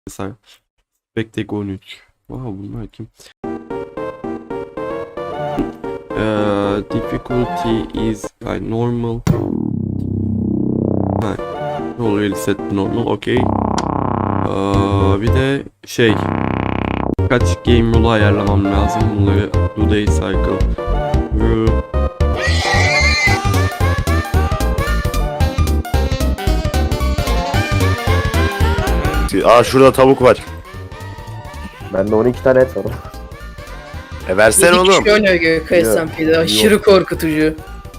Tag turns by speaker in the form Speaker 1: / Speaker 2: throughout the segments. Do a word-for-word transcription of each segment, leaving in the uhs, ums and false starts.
Speaker 1: Mesela Spectek on üç. Wow, bunlar kim? Uh, difficulty is like normal. Ha, already set normal, okay. Uh, bir de şey, kaç game rule ayarlamam lazım bunları. Do day cycle. Uh,
Speaker 2: Aa şurada tavuk var.
Speaker 3: Bende on iki tane et var.
Speaker 2: E versene
Speaker 4: Yedi
Speaker 2: oğlum.
Speaker 4: kişi oynuyor Gökay
Speaker 3: Yok.
Speaker 4: S M P'de. Aşırı korkutucu.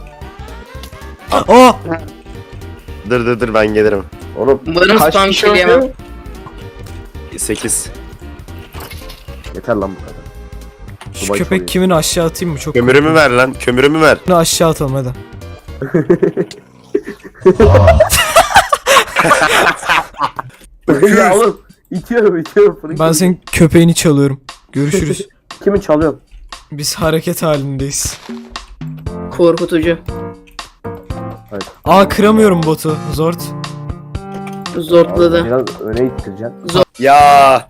Speaker 5: Aa!
Speaker 2: Dır dır dır ben gelirim.
Speaker 3: Oğlum
Speaker 4: Umarım
Speaker 3: kaç
Speaker 4: spam
Speaker 3: kişi
Speaker 4: kill yemem.
Speaker 3: oynuyor?
Speaker 2: sekiz.
Speaker 3: Yeter lan bu kadar.
Speaker 5: Şu
Speaker 3: Dubai
Speaker 5: köpek
Speaker 3: çalıyor.
Speaker 5: kimin aşağı atayım mı? Çok
Speaker 2: Kömürümü ver lan. Kömürümü ver.
Speaker 5: Bunu aşağı atalım hadi.
Speaker 3: Ya oğlum itiyorum itiyorum. fırın
Speaker 5: Ben
Speaker 3: gibi.
Speaker 5: senin köpeğini çalıyorum. Görüşürüz.
Speaker 3: Kimi çalıyorum?
Speaker 5: Biz hareket halindeyiz.
Speaker 4: Korkutucu.
Speaker 5: Aa, kıramıyorum botu. Zort.
Speaker 4: Zortladı.
Speaker 3: Biraz öne ittireceksin.
Speaker 2: Ya.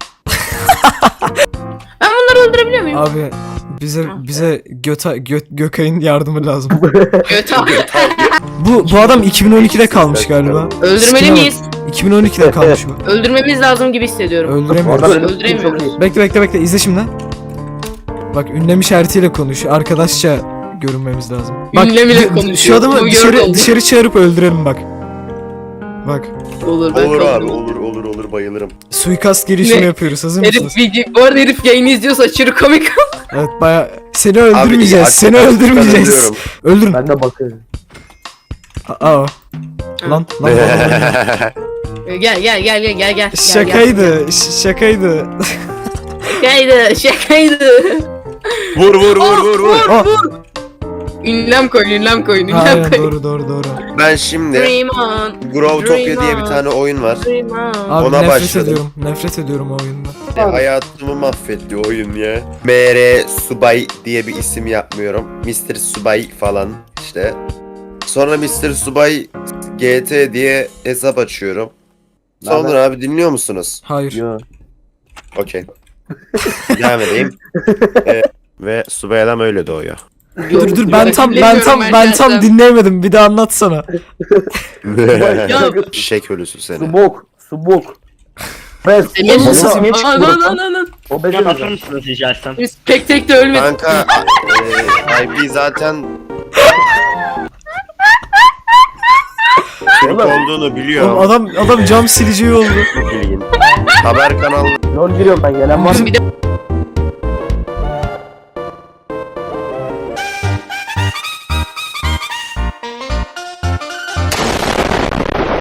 Speaker 4: Ben bunları öldürebiliyor muyum?
Speaker 5: Abi bize bize Göta Gö, Gökay'ın yardımı lazım.
Speaker 4: Göt abi.
Speaker 5: Bu bu adam iki bin on ikide kalmış galiba.
Speaker 4: Öldürmeli miyiz?
Speaker 5: iki bin on ikide kalmış bu.
Speaker 4: Öldürmemiz lazım gibi hissediyorum.
Speaker 5: Öldüremiyoruz.
Speaker 3: Orada benim
Speaker 4: Öldüremiyoruz.
Speaker 3: çok iyi.
Speaker 5: Bekle bekle bekle izle şimdi. Bak, ünlem işaretiyle konuş. Arkadaşça görünmemiz lazım. Bak,
Speaker 4: Ünlem ile
Speaker 5: d-
Speaker 4: konuşuyor.
Speaker 5: Şu adamı
Speaker 4: Bu
Speaker 5: dışarı
Speaker 4: gördüm.
Speaker 5: dışarı çağırıp öldürelim bak. Bak.
Speaker 4: Olur ben
Speaker 2: Olur abi
Speaker 4: kaldım.
Speaker 2: olur olur olur bayılırım.
Speaker 5: Suikast girişimi
Speaker 4: Ne?
Speaker 5: yapıyoruz. Hazır mısınız?
Speaker 4: Herif video, bu arada herif yayını izliyorsa aşırı komik.
Speaker 5: Evet, baya seni öldürmeyeceğiz.
Speaker 2: Abi,
Speaker 5: seni
Speaker 2: hakikaten
Speaker 5: öldürmeyeceğiz.
Speaker 2: öldürüyorum.
Speaker 5: Öldürün.
Speaker 3: Ben de bakıyorum.
Speaker 5: Aa. Lan lan. lan, lan.
Speaker 4: Gel gel gel gel gel gel.
Speaker 5: Şakaydı. ş- Şakaydı.
Speaker 4: Şakaydı şakaydı.
Speaker 2: Vur vur vur vur vur.
Speaker 5: Aa,
Speaker 4: Ünlem koyun ünlem koyun ünlem
Speaker 5: aynen
Speaker 4: koyun.
Speaker 5: doğru doğru doğru.
Speaker 2: Ben şimdi
Speaker 4: Dream on.
Speaker 2: Growtopia diye bir
Speaker 4: Dream
Speaker 2: tane oyun var.
Speaker 4: Dream on.
Speaker 5: Abi
Speaker 2: Ona
Speaker 5: nefret
Speaker 2: başladım.
Speaker 5: ediyorum. Nefret ediyorum o oyundan.
Speaker 2: E, hayatımı mahvetti oyun ya. M R Subay diye bir isim yapmıyorum. mister Subay falan işte. Sonra mister Subay G T diye hesap açıyorum. Sonra abi dinliyor musunuz?
Speaker 5: Hayır.
Speaker 3: Yo.
Speaker 2: Okey. Devam edeyim. Ee, ve Subay adam öyle doğuyor.
Speaker 5: Dur dur ben tam ben tam ben tam dinleyemedim. Bir daha anlatsana.
Speaker 2: Şek ölüsü seni.
Speaker 3: Subok. Subok. Ben
Speaker 4: Emin
Speaker 3: Oğlum,
Speaker 5: misin?
Speaker 3: o-
Speaker 4: misin? Anan anan anan.
Speaker 3: O benim.
Speaker 6: Hocam atır mısınız rica etsem?
Speaker 4: Biz tek tek de ölmedik.
Speaker 2: Kanka e, I P zaten Türk olduğunu
Speaker 5: Oğlum
Speaker 2: biliyorum.
Speaker 5: adam adam cam sileceği oldu.
Speaker 2: Haber kanalı
Speaker 3: Lol giriyorum ben gelen var.
Speaker 4: Bir de